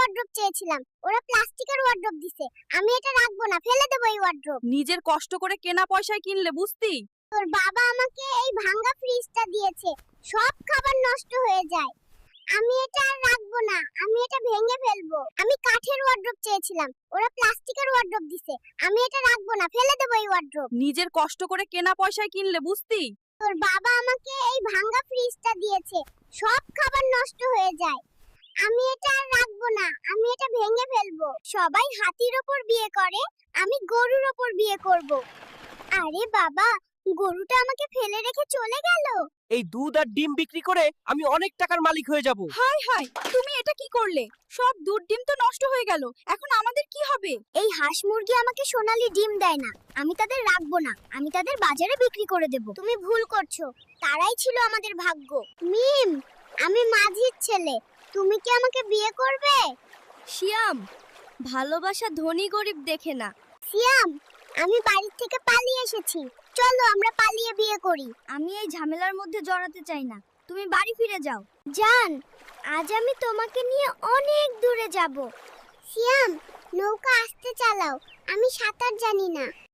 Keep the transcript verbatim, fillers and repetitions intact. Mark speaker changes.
Speaker 1: Wardrobe চেয়েছিলাম, ওরা প্লাস্টিকের ওয়ার্ড্রোব দিছে। আমি এটা রাখবো না, ফেলে দেবো এই ওয়ার্ড্রোব।
Speaker 2: নিজের কষ্ট করে কেনা পয়সায় কিনলে বুঝতি।
Speaker 1: তোর বাবা আমাকে এই ভাঙা ফ্রিজটা দিয়েছে, সব খাবার নষ্ট হয়ে যায়। আমি এটা আর রাখবো না, আমি এটা ভেঙে ফেলবো। আমি কাঠের ওয়ার্ড্রোব চেয়েছিলাম, ওরা প্লাস্টিকের ওয়ার্ড্রোব দিছে। আমি এটা রাখবো না, ফেলে দেবো এই ওয়ার্ড্রোব।
Speaker 2: নিজের কষ্ট করে কেনা পয়সায় কিনলে বুঝতি।
Speaker 1: তোর বাবা আমাকে এই ভাঙা ফ্রিজটা দিয়েছে, সব খাবার নষ্ট হয়ে যায়। আমি এটা আর রাখবো না, আমি এটা ভেঙে ফেলবো। সবাই হাতির ওপর বিয়ে করে, আমি গরুর ওপর বিয়ে করব। আরে বাবা, গরুটা আমাকে ফেলে রেখে চলে গেল।
Speaker 3: এই দুধ আর ডিম বিক্রি করে আমি অনেক টাকার মালিক হয়ে যাব।
Speaker 2: হাই হাই, তুমি এটা কি করলে? সব দুধ ডিম তো নষ্ট হয়ে গেল, এখন আমাদের কি হবে?
Speaker 1: এই হাঁস মুরগি আমাকে সোনালী ডিম দেয় না, আমি তাদের রাখবো না, আমি তাদের বাজারে বিক্রি করে দেব। তুমি ভুল করছো, তারাই ছিল আমাদের ভাগ্য। মিম, আমি মাঝির ছেলে, তুমি কি আমাকে বিয়ে করবে?
Speaker 4: শিয়াম, ভালোবাসা ধনী গরিব দেখে না।
Speaker 1: সিয়াম, আমি বাড়ি থেকে পালিয়ে এসেছি, চলো আমরা পালিয়ে বিয়ে করি।
Speaker 4: আমি এই ঝামেলার মধ্যে জড়াতে চাই না, তুমি বাড়ি ফিরে যাও।
Speaker 1: জান, আজ আমি তোমাকে নিয়ে অনেক দূরে যাব। সিয়াম, নৌকা আস্তে চালাও, আমি সাঁতার জানি না।